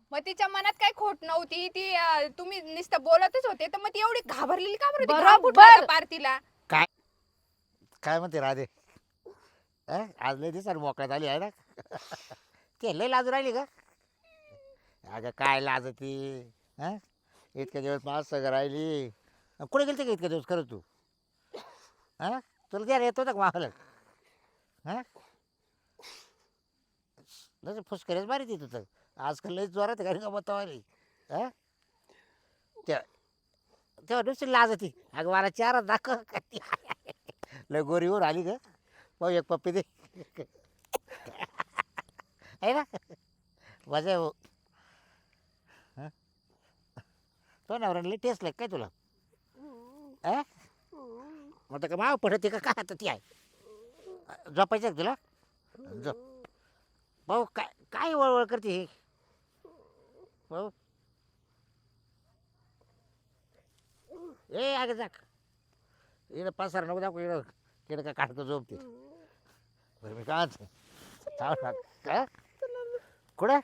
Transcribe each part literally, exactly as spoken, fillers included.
मग तिच्या मनात काही खोट नव्हती ती अं, तुम्ही नुसतं बोलतच होते तर मग ती एवढी घाबरलेली का बरं होती? घाम बरोबर. फुटला होता पार तिला. काय काय म्हणते राधे अं? आज लय दिवसाने मोकळ्यात आली आहे ना ते लय लाजू राहिली का अगं काय लाजती हा इतक्या दिवस माझ सगळं राहिली अन कुठे गेलते का इतक्या दिवस खरं तू हा तुला द्यायला येत होता का मागला हा जसं फुसकरेच मारी ती तुझं आजकाल लय जोरात घरी गमत आली हा त्या तेव्हा दुसरी लाजती अगं मला चार दाखव लय गोरीवर आली ग पाहू एक पप्पी दे आहे ना मजा आहे हो हं? तो नवऱ्याला टेस्ट लाग काय तुला अ मग का माव पडते का काय आता ती आहे झोपायचं का तुला झोप भाऊ काय काय वळवळ करते हे भाऊ ए अगं जाक इकडं पसार नको दाखव इकडं इकडं का काढतो झोपते बरं मी काय काय कुठं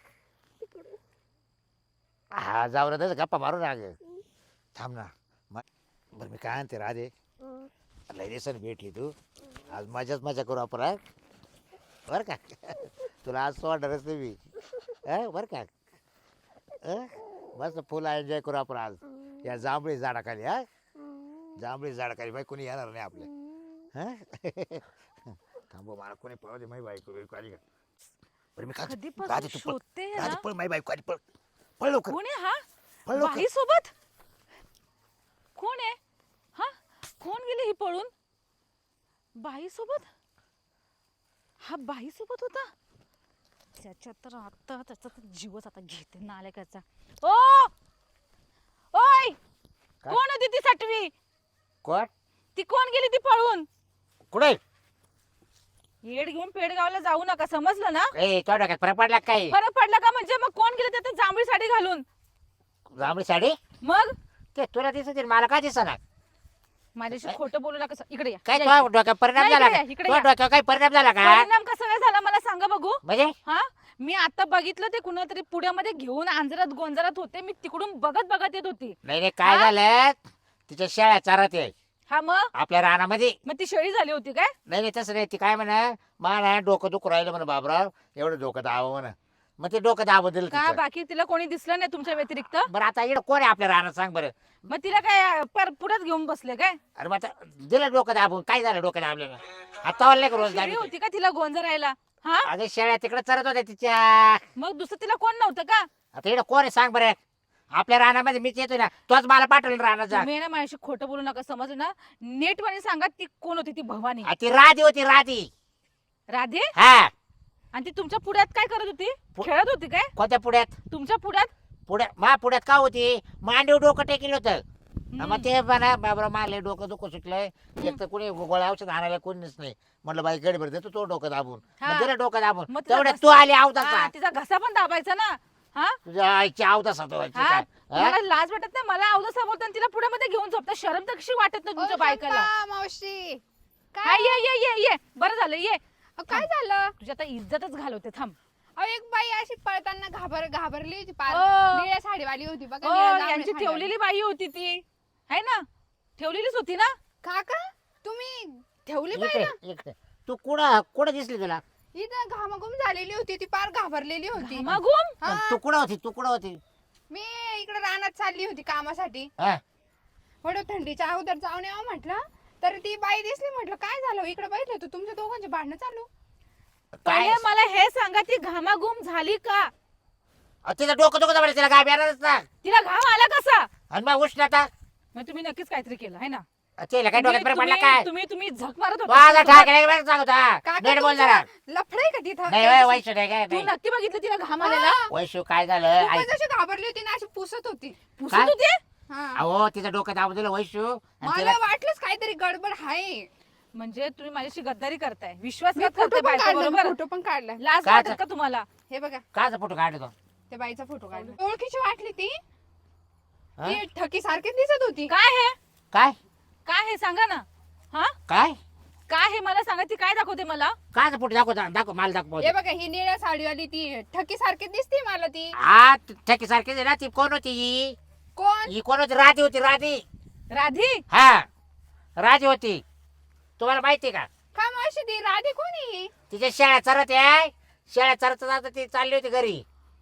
हा जाऊ रे त्याचं गप्पा मारू ना अगं थांब ना म बरं मी काय आणते राधे लय दिवसाने भेटली तू आज मजाच मजा करू आपण हा? बरं का तुला आज सोडणारच नाही मी हा बरं का अं? मस्त फुल एन्जॉय करू आपण आज या जांभळी झाडाखाली हा जांभळी झाडाखाली बाई कोणी येणार नाही आपल्या हा थांबव मला कोणी पळू दे माझी बायको बियको आली का बरं मी काय कधीपासून राधे तू पळ शोधते राधे ना. पळ माझी बायको आली पळ पळ लवकर कोण आहे हा? पळ लवकर बाई सोबत कोण आहे? हा कोण गेली ही पळून? बाई सोबत? हा बाई सोबत होता? त्याच्या तर आता त्याचा तर जीवच आता घेते नालायकाचा. ओ ओय काय? कोण होती ती सटवी? कोण ती कोण गेली ती पळून? कुठे येड घेऊन पेडगावला जाऊ नका समजलं ना? ए तो डोक्यात फरक पडला का काय फरक पडला का म्हणजे मग कोण गेले त्यात जांभळी साडी घालून? जांभळी साडी मग ते तुला दिसत मला काय दिसणार माझ्याशी खोटं बोलू नका इकडे या. काय या तो डोक्यात परिणाम नाही, झाला इकडे का या, इकडे तो या. डोक्यावर काही परिणाम झाला का परिणाम कसा काय झाला मला सांगा बघू. म्हणजे हा मी आता बघितलं ते कुणातरी पुण्यामध्ये घेऊन आंजरात गोंजरात होते मी तिकडून बघत बघत येत होती. नाही नाही काय हा? झालं तिच्या शेळ्या चारत आहे हा मग आपल्या रानामध्ये मग ती शेळी झाली होती काय? नाही नाही तसं नाही ती काय म्हणा मला डोकं दुखू राहिलं म्हणा बाबराव एवढं डोकं दाबं म्हणा मग ते डोकं दाबं दिलं का तिचं. बाकी तिला कोणी दिसलं नाही तुमच्या व्यतिरिक्त? बरं आता इकडं कोण आहे आपल्या रानात सांग बरं मग तिला काय पर पुढेच घेऊन बसले काय? अरे मग आता दिलं डोकं दाबून काय झालं डोकं दाबलं आता नाही का रोज शेळी दाबी होती का तिला गोंजरायला? हा अगं शेळ्या तिकडे चरत होत्या तिच्या मग दुसरं तिला कोण नव्हतं का? आता इकडं कोण आहे सांग बरं आपल्या रानामध्ये मीच येतो ना तोच मला पाठवलं रानात जा तुम्ही ना माझ्याशी खोटं बोलू नका समजलं ना. नेटवाणी सांगा ती कोण होती ती भवानी आ, ती राधी होती राधी राधे? हा आणि ती तुमच्या पुढ्यात काय करत होती? पु- खेळत होती काय कोणत्या पुढ्यात तुमच्या पुढ्यात? पुढ्यात मा पुढ्यात का होती मांडीव डोकं टेकेल होतं हम्म. मग ते म्हणा बाबरा मारले डोकं दुखू सुटलंय एक तर कोणी गोळ्या औषध आणायला कोणीच नाही म्हटलं बाई गडबड देतो तो डोकं दाबून हा. मग दिलं डोकं दाबून मग तिला तेवढ्यात घस- तू आली हा, आवतासा तिचा घसा पण दाबायचा ना. हा तुझ्या आईची आवतासा तो हा काय हा? मला लाज वाटत नाही मला अवदसा बोलताना तिला पुढे मध्ये घेऊन झोपता शरम तर कशी वाटत नाही ओ, तुमच्या बायकाला? चंपा, मावशी हा काय ये ये ये ये बरं झालं ये. अ, काय झालं? तुझी आता इज्जतच घालवते थांब. अहो एक बाई अशी पळताना घाबर घाबरली होती पार ओ. निळ्या साडीवाली होती बघा हो निळ्या जांभळ्या यांची साडीवाली. ठेवलेली बाई होती ती है ना ठेवलेलीच होती ना. काका तुम्ही ठेवली इकडे पाहिजे इकडे तू कुठं कुठं दिसली तुला इथं घामाघूम झालेली होती ती पार घाबरलेली होती. मागून हा, तू कुठं होती तू कुठं होती मी इकडे रानात चालली होती कामासाठी हा थोडं थंडीच्या अगोदर जाऊन यावं म्हटलं तर ती बाई दिसली म्हटलं काय झालं इकडे बघितलं होतं तुमच्या दोघांचे भांडणं चालू. काय पहिले मला हे सांगा ती घामाघूम झाली का? अ, तिचं डोकं दुखत म्हणे तिला गाब येणारच ना तिला घाम आला कसा? आणि मग उष्णता मग तुम्ही नक्कीच काहीतरी केलं है ना. तिला काय डोक्यात फरक पडला तुम्ही काय तुम्ही तुम्ही झक मारत वाजा होता. ठाकरे सांगता काका नीट बोल जरा लफडे का तिथं नाही वय वैशू नाही काय तू नाही नक्की बघितलं तिला घाम आलेला? हा, वैशू काय झालं खूपच ऐक. अशी घाबरली होती ना अशी पुसत होती. पुसत काय? होती? हा. अहो तिचं डोकं दाबून दिलं वैशू आणि मला तिला वाटलंच काहीतरी गडबड आहे. म्हणजे तुम्ही माझ्याशी गद्दारी करताय विश्वासघात मी करताय फोटो पण बायका काढला बरोबर. फोटो पण काढलाय. लाज काय वाटत आता? का तुम्हाला? हे बघा काचा फोटो काढतो त्या बाईचा फोटो काढला ओळखीची वाटली ती हा? ती ठकी सारखीच दिसत होती. काय हे काय काय हे सांगा ना. हा काय काय हे मला सांगा, ती काय दाखवते मला? काय पुढे दाखव दाखव मला दाखव हे बघा ही निळ्या साडीवाली ती ठकी सारखी दिसते मला ती. हा ठेकी सारखी ना ती कोण होती ही कोण? ही कोण होती राधी होती राधी राधी? हा राधी होती तुम्हाला माहिती का का मावशी ती राधी कोणी? तिच्या शेळ्या चरत आहे शेळ्या चरत जात ती चालली होती घरी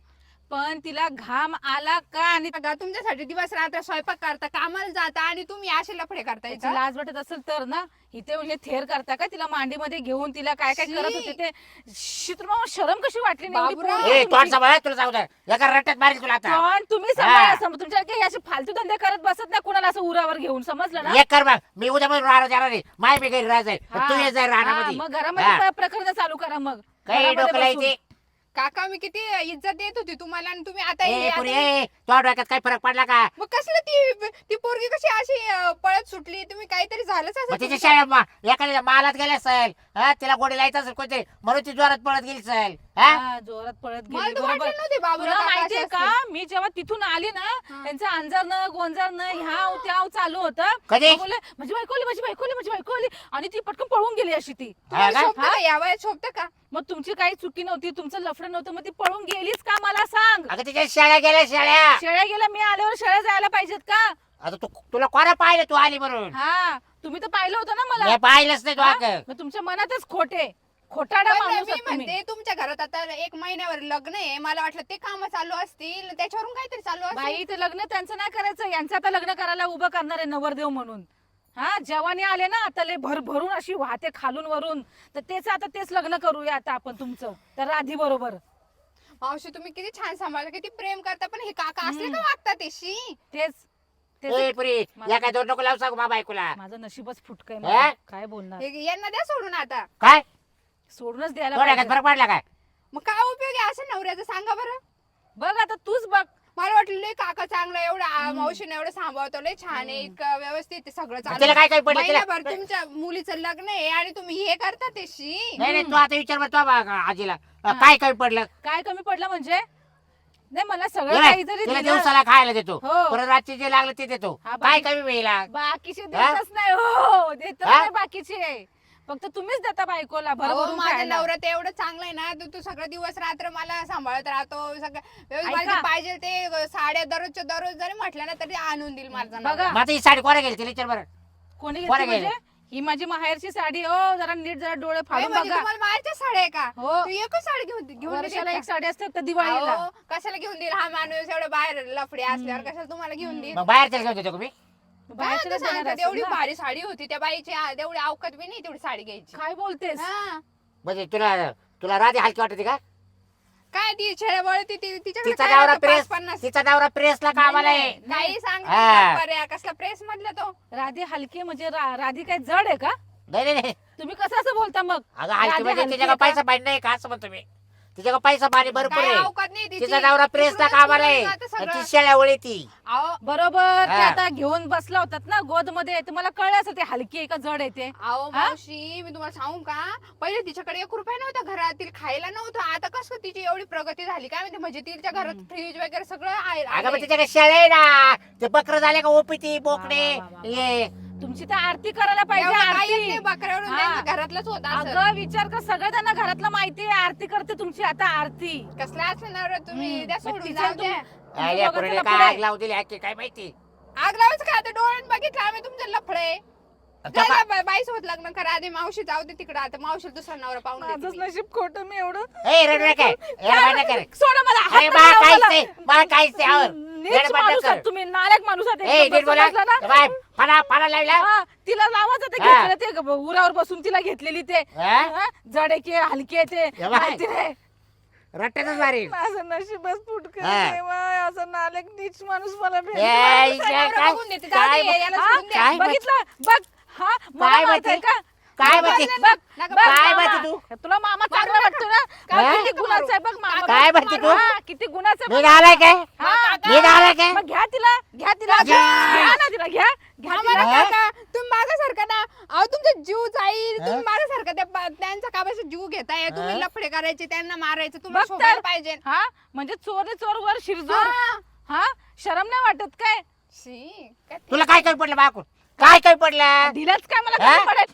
पण तिला घाम आला का? आणि बघा तुमच्यासाठी दिवस रात्र स्वयंपाक करता कामाला जाता आणि तुम्ही असे लफडे करताय तिची का? लाज वाटत असेल तर ना इथे म्हणजे थेर करता का तिला मांडीमध्ये घेऊन तिला काय काय शी. करत होते ते शी, तुला मग शरम कशी वाटली नाही एवढी बाबूराव. पोरं ए तुमची? तोंड सांभाळ तुला सांगू द्या एका रट्ट्यात मारेल तुला आता पण तुम्ही हा. सांभाळा सम- तुमच्या काही असे फालतू धंदे करत बसत नाही कुणाला असं उरावर घेऊन, समजलं ना? एक कर मग मी उद्या पण राहणार जाणार नाही माय मी घरी राहायचंय हा. तू ये जाय हा, राहण्यामध्ये मग घरामध्ये प्रकरण चालू करा मग काही घरामध्ये डोकं बसून. लायचे काका मी किती इज्जत देत होती तुम्हाला आणि तुम्ही आता ए हे- पुरी आता- ए तो डोक्यात काही फरक पडला का मग कसलं ती ती पोरगी कशी अशी अं, पळत सुटली? तुम्ही काहीतरी झालंच मग असेल तिच्या तुमचं. शाळेत मा- एखाद्या मालात गेल्या असेल हा तिला गोडी लायचं असेल कोणते म्हणून ती जोरात पळत गेली असेल हा हा, जोरात पळत मला गेली तर बरोबर. वाटलं नव्हते बाबूराव तुला काका माहितीये असे का असतील. मी जेव्हा तिथून आली ना हा. त्यांचं अंजरनं गोंजरनं ह्याव त्याव चालू होतं. कधी? मग बोलले, माझी बायको आली, माझी बायको आली, माझी बायको आली आणि ती पटकन पळून गेली अशी ती. हा तुम्हाला का? शोभतं का? या वयात शोभतं का? मग तुमची काही चुकी नव्हती, तुमचं लफडं नव्हतं, मग ती पळून गेलीच का मला सांग. अगं तिच्या शाळा गेल्या शाळा शेळ्या गेल्या, मी आल्यावर शेळ्या जायला पाहिजेत का? आता तू तुला कोणा पाहिलं तू आली म्हणून हा, तुम्ही तर पाहिलं होतं ना मला. मी पाहिलंच नाही तू हा? अगं मग तुमच्या मनातच खोटे खोटाडा पण माणूस मी आहात तुम्ही. म्हणते तुमच्या घरात आता एक महिन्यावर लग्न आहे, मला वाटलं ते काम चालू असतील त्याच्यावरून काहीतरी चालू असेल. बाई ते लग्न त्यांचं नाही करायचं, यांचं आता लग्न करायला उभं करणार आहे नवरदेव म्हणून. हा, जवानी आले ना आता लय भर भरून अशी वाहते खालून वरून, तर तेच आता तेच लग्न करूया आता आपण तुमचं तर राधी बरोबर. मावशी तुम्ही किती छान सांभाळता, किती प्रेम करता, पण हे काका असले का वागतात ते? शी. तेच ए तेच पुरी या काय दोन नको लावू सांगू मा बायकोला माझं नशीबच फुटकय, हा? काय बोलणार. हे- यांना द्या सोडून आता. काय सोडूनच द्यायला थोड्या पाहिजे. फरक पडला काय मग काय उपयोग आहे असं नवऱ्याचं सांगा बरं? बघ आता तूच बघ. मला वाटलं लय काका चांगला एवढा आ, मावशीने एवढं सांभाळतो, लय छान आहे, इतकं व्यवस्थित आहे सगळं तिला चालू. काय काय पडलं तिला महिनाभर तुमच्या मुलीचं लग्न आहे आणि तुम्ही हे करता ते? शी. नाही नाही तू आता विचार बरं तो बा- आजीला काय काय पडलं काय कमी पडलं म्हणजे? नाही मला सगळं तिला काही जरी तिला दिलं, दिवसाला खायला देतो हो. परत रात्री जे लागलं ते देतो हा, काय बाकी- कमी मिळेला बाकीचे हा? देतच नाही हो, देतच हा? नाही बाकीचे, फक्त तुम्हीच देता बायकोला अहो, भरभरून माझा खायला. नवरा ते एवढं चांगलं आहे ना, तू तू सगळं दिवस रात्र मला सांभाळत राहतो, सगळं व्यवस्थित ऐका. मला जे पाहिजे ते साड्या दररोजच्या दररोज जरी म्हटलं ना तरी आणून देईल माझा नवरा. बघा. मग आता ही साडी कोणा गेली तिला विचार बरं कोणी कोणा घेतली गेलं? म्हणजे? ही माझी माहेरची साडी हो, जरा नीट जरा डोळे ए, फाडून म्हणजे बघा. तुम्हाला बाहेरच्या साड्या आहे का? हो. तू एकच साडी घेऊन घेऊन वर्षाला देते एक का? साडी असते फक्त दिवाळीला. अहो, कशाला घेऊन देईल हा माणूस? एवढं बाहेर लफडे असल्यावर कशाला तुम्हाला घेऊन देईल? मग बाहेर घेऊन देतो का मी काय बाहेरच्याला आता देणार सांगतात, असेल एवढी ना. भारी साडी होती त्या बाईची, आ, तेवढी अवकात बी नाही तेवढी साडी घ्यायची. काय बोलतेस? हा. म्हणजे तुला तुला राधी हलकी वाटते का काय ती छेड्याबळ ती ती- तिच्याकडे तिचा काय नवरा राहतं? प्रेस पाच पन्नास. तिचा नवरा प्रेसला कामाला आहे काही सांग हा. पर्या कसला प्रेस मधला तो? राधी हलकी म्हणजे रा- राधी काय जड आहे का? नाही नाही, नाही तुम्ही कसं असं बोलता मग? अगं हलकी राधी म्हणजे हलकी तिच्या आहे का? पैसा पाणी नाही का असं म्हणतो मी तिच्या पैसा पाणी भरपूर काय आहे अवकात नाही तिची. तिचा नवरा प्रेसला तिकडूनच कामाला आहे बोलून जातं आणि सगळं. ती शेळ्यावळी ती अहो, बरोबर, ते हा. आता घेऊन बसला होतात ना गोद मध्ये, तुम्हाला कळलं असं ते हलकी आहे का जड आहे ते? अहो हा? मावशी मी तुम्हाला सांगू का, पहिले तिच्याकडे एक रुपया नव्हता घरात, तिला खायला नव्हतं. आता कसं तिची एवढी प्रगती झाली काय माहिती, म्हणजे तिच्या घरात फ्रीज वगैरे सगळं आहे. अगं पण आलंय. तिच्याकडे शेळ्या आहे ना ते बकरं झाले का ओपीती बोकडे वा, वा, वा, वा. ये तुमची तर आरती करायला पाहिजे. एवढं काही येत नाही आरती. बकऱ्यावरून, हा. त्यांचं घरातलंच होत असं. अगं विचार कर, सगळं त्यांना घरातलं माहिती आहे. आरती करते तुमची आता आरती. कसला असणार तुम्ही हम्म. द्या मग सोडून तिचं जाऊ तुम- द्या. तुमचं अरे या दोघांचं पोरीने लफडं काय आहे. आग लावून दिली आहे काय माहिती आग लावायचं का? आता डोळ्यात बघितलं आम्ही तुमचं लफडे. आता पा- बाई सोबत लग्न करा आधी, मावशी जाऊ दे तिकडे, आता मावशी दुसरा नवरा पाहून देते माझंच मी. नशीब खोटं, मी एवढं ए रडू नका येडा बांधा कर सोडा मला, हात अरे नका बा लावू काहीच मला. नाही मला काहीच नाही आवर नीच येडा बांधा माणूस कर आहात तुम्ही, नालायक माणूस आहात ए एकदम. नीट बोला बसला ना? बाय फणा फणा लावला हा, तिला लावायचं ते हा. घेतलेलं ते ग- उरावर बसून तिला घेतलेली ते हा? हा? जड आहे की हलकी आहे ते या बाय. माहिती नाही. रट्ट्यातच मारी माझं नशीबच फुटकं हा. देवा, असं नालायक नीच माणूस मला ए, भेटला. इकडे नवरा काय बघून देते, जाऊ काय दे, याला हा? सोडून द्या. काय बघितलं बघ, हा मला काय माहित आहे माहिती? का? काय बघ, माहिती? बघ, नका बघ, काय मामा. माहिती तू? तुला मामा चांगला वाटतो ना? काय हा? किती गुणाचा आहे बघ मामा. काय माहिती तू? हा, किती गुणाचा आहे मी बघ. आलाय काय हा, मी आलाय काय मग घ्या तिला, घ्या तिला, घ्या. घ्या ना तिला, घ्या घ्या आम्हाला तिला. हा? काका, तुम्ही माझ्यासारखं ना, अहो तुमचा जीव जाईल. हा? तुम्ही माझ्यासारखं त्या बा- त्यांचा काबाचा जीव घेताय, तुम्ही हा? लफडे करायचे, त्यांना मारायचं, तुम्हाला बघ तर. शोधायला पाहिजे. हा, म्हणजे चोर रे चोर वर शिरजोर. हा. हा, शरम नाही वाटत काय? शी, काय ते- तुला काय कमी पडलं बाकून काय कमी पडलं दिलंच काय मला हा? कमी पडेल?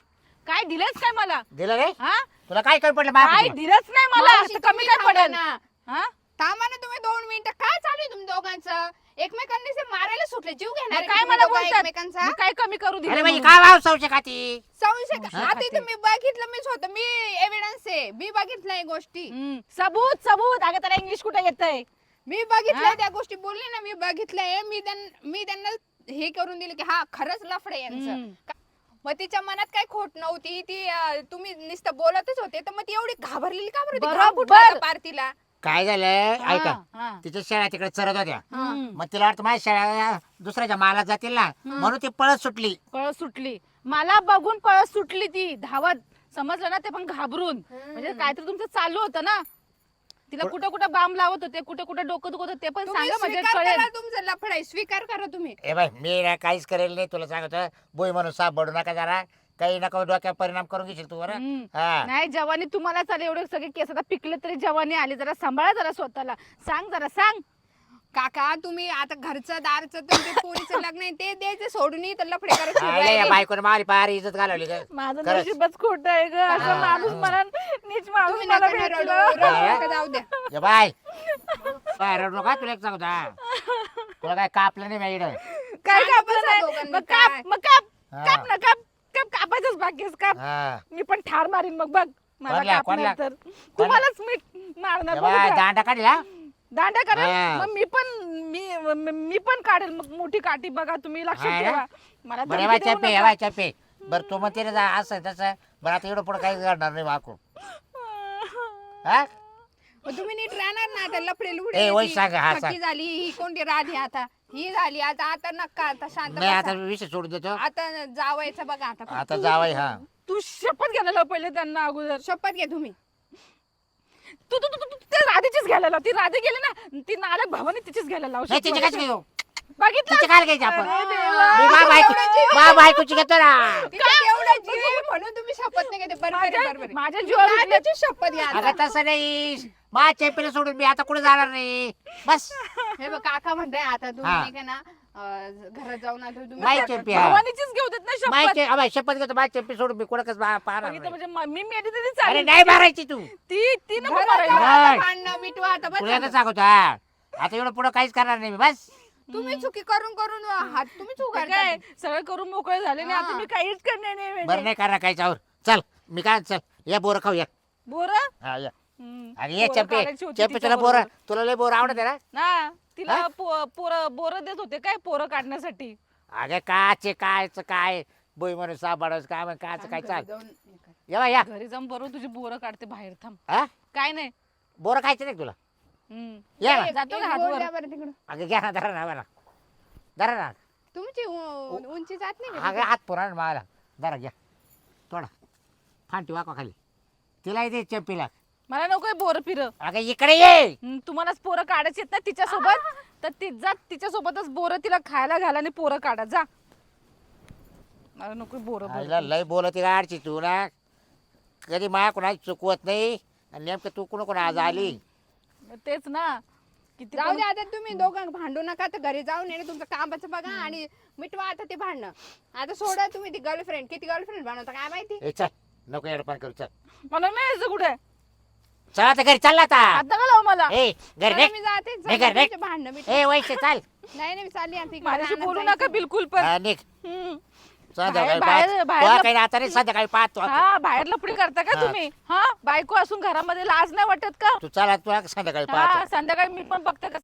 काय दिलंच काय मला दिलं रे हा तुला काय कमी पडलं काय बाप दिलंच नाही मला मावशी, तर कमी तुम्ही काय थांबा पडेल ना. हा थांबा ना तुम्ही दोन मिनिटं. काय चालू आहे तुम्ही दोघांचं? एकमेकांनी से मारायला सुटले, जीव घेणार मग आहे काय तुम्ही मला दोघं बोलतात एकमेकांचा. मी काय कमी करू अरे दिलं म्हणजे म्हणून? काय भाव संशय खाती संशय का? हा, आता खाते. इथं मी बघितलं, मीच होतं, मी एव्हिडन्स आहे, मी बघितलंय गोष्टी, हम्म, सबूत सबूत अगं त्याला इंग्लिश कुठे येतंय मी बघितलंय हा? त्या गोष्टी. बोलले ना, मी बघितलंय. मी त्यांना मी त्यांना हे करून दिलं की हा खरंच लफडे यांचं. हम्म. का- मग तिच्या मनात काही खोट नव्हती. ती अं, तुम्ही नुसतं बोलतच होते, तर मग ती एवढी घाबरलेली का बरं? ती घाम बरोबर. फुटला होता पार तिला. काय झालं हा, ऐका हा. तिच्या शेळ्या तिकडे चरत होत्या हम्म. मग तिला वाटतं माझ्या शेळ्या दुसऱ्याच्या मालात जातील ना म्हणून ती पळत सुटली पळत सुटली मला बघून पळत सुटली ती धावत समजलं ना ते पण घाबरून म्हणजे काहीतरी तुमचं चालू होतं ना तिला कुठं कुठं बाम लावत होते कुठं कुठं डोकं दुखत होते ते पण तुम्ही सांगा म्हणजे स्वीकार कळेल करा तुमचं लफड आहे, स्वीकार करा तुम्ही. ए बाय मी ना काहीच करेल नाही तुला सांगतो बोई म्हणून साप बडू नका जरा काही नका डोक्यात परिणाम करून घेशील तू बरं हम्म. हा नाही जवानी तुम्हाला चालेल एवढे सगळे केस आता पिकले तरी जवानी आली जरा सांभाळा जरा स्वतःला सांग जरा सांग काका तुम्ही आता घरचं दारचं तुमच्या पोरीचं लग्न आहे ते द्यायचं सोडून इथं लफडे करत आयला या फिरायले. बायकोने मारी पार इज्जत घालवली ग माझं खरंच. नशीबच खोट आहे ग असं हा. माणूस मला नीच माणूस तुम्ही मला नका ना रडू, भेटलं. रडू नका, जाऊ द्या. ये बाय बाय रडू नका तुला एक सांगतो हा. तुला काय कापलं नाही माहिती काय सांगा कापलं बसा नाही दोघांनी मग काप काय. मग काप हा. काप ना काप काप कापायचंच बाकी आहे, काप हा मी पण ठार मारीन मग बघ मला कोणला, कापणार कोणला? तर तुम्हालाच मी मारणार ये बघ बाय का? दांडा काढला दांड्या करा हा. मग मी पण मी मी- मी पण काढेल मग मोठी काठी बघा तुम्ही लक्षात हा ना? ठेवा मला बरं धमकी बाय देऊ चप्पे नका. बाय चप्पे बरं तू म्हणते ना जा असं तसं बरं आता एवढं पुढे काही घडणार नाही वाकू हा मग तुम्ही नीट राहणार ना आता लफडे ए, लुडे वय सांगा, हा, सांग. झाली ही कोणती राधी आता ही झाली आता आता नका आता शांत नाही आता बसा. विषय सोडून देतो आता जावायचं बघा आता आता जावाय हा तू शपथ घ्यायला लाव पहिले त्यांना अगोदर शपथ घ्या तुम्ही. तू तू तू तू ते राधेचीच घ्यायला लाव ती राधे गेली ना ती नालक भावानी तिचीच घ्यायला लाव नाही तिचे शपथ. काय घेऊ बघितलं तिचे काय घ्यायचे आपण अरे देवा. मी बा बायको बा बायकोची घेतो ना तिच्यात एवढा जीव आहे म्हणून तुम्ही शपथ नाही घेते. बरोबर आहे, माझ्या बरोबर आहे. माझ्या जीवावर उठले. राधेची शपथ घ्या आता. अगं तसं नाही मा चॅम्पियन सोडून मी आता कुठे जाणार नाही बस हे बघ काका म्हणताय आता तुम्ही हा. नाही का ना अं, घरात जाऊन आता तुम्ही माय शपथ- चॅम्पियन भावानीचीच घेऊ देत ना माय शपथ चे- अबे, शपथ घेतो माय चॅम्पियन सोडून मी कुठं कसं पाहणार बघितलं नाही. म्हणजे म- मी मेली तरी अरे चालेल नाही मारायची तू ती ती नको घरात मारायला. जाऊन आता नाही. भांडणं मिटवा आता बस तुला झालं. एकच सांगतो हा आता एवढं पुढं काहीच करणार नाही मी बस तुम्ही चुकी करून करून हात तुम्ही चूक ते काय सगळं करून मोकळे झाले नाही आता हा. मी काहीच करणार नाही बरं म्हणजे. नाही करणार काहीच आवर चल मी काय चल या बोर खाऊ या बोर हा या आणि ये चॅम्पे चॅम्पे तुला तिच्या बोर बरोबर. तुला लय बोर आवडत ना ना तिला हा? पोर बोर देत होते काय पोरं काढण्यासाठी अगे काचे कायच काय बोई म्हणून साबाडच काय म्हण कायचं काय चाल जाऊन हे कर. या बा, या घरी जाऊन बरोबर तुझी बोरं काढते बाहेर थांब हा काय नाही बोर खायचं नाही का तुला हम्म. या ना एक- जातो एक का बोल हातवर? द्या बरं तिकडं. अगं घ्या ना धरा ना मला धरा ना तुमची उ- उंची जात नाही का अगं हात पुरा मला धरा घ्या थोडा फांटी वाका खाली तिला दे चॅम्पीला मला नकोय बोर फिर अगं इकडे ये तुम्हालाच पोरं काढायची आहेत ना तिच्या सोबत तर ती जा तिच्या सोबतच बोरं तिला खायला घाला आणि पोरं काढा जा मला नको बोरं आईला लय बोलत गाडची तू ना कधी माया कोणाची चुकवत नाही आणि नेमकं तू कुणा कोणा आज आली तेच ना किती जाऊ पण- दे आता तुम्ही दोघं भांडू नका तर घरी जाऊन येणे तुमचं कामाचं बघा आणि मिटवा आता ते भांडणं. आता सोडा तुम्ही ती गर्लफ्रेंड किती गर्लफ्रेंड बनवता काय माहिती. ए चल नको एडपान करू चल मला नाही यायचं कुठे चल आता घरी चालला आता आता का लाव मला ए घरी चला, निघ. मी जाते नाही घर, नाही. भांडणं मिट ए वैसे चाल नाही नाही मी चालली आता इकडे माझ्याशी रानात बोलू जायचं. नका बिलकुल पण हा, निघ हम्म. संध्याकाळी बाहेर- पाहत बाहेर- तुला काही आता नाही संध्याकाळी पाहतो हा बाहेर लपडी करता का हा. तुम्ही हा बायको असून घरामध्ये लाज नाही वाटत का तू चला तुला संध्याकाळी हा पाहतो संध्याकाळी मी पण बघते का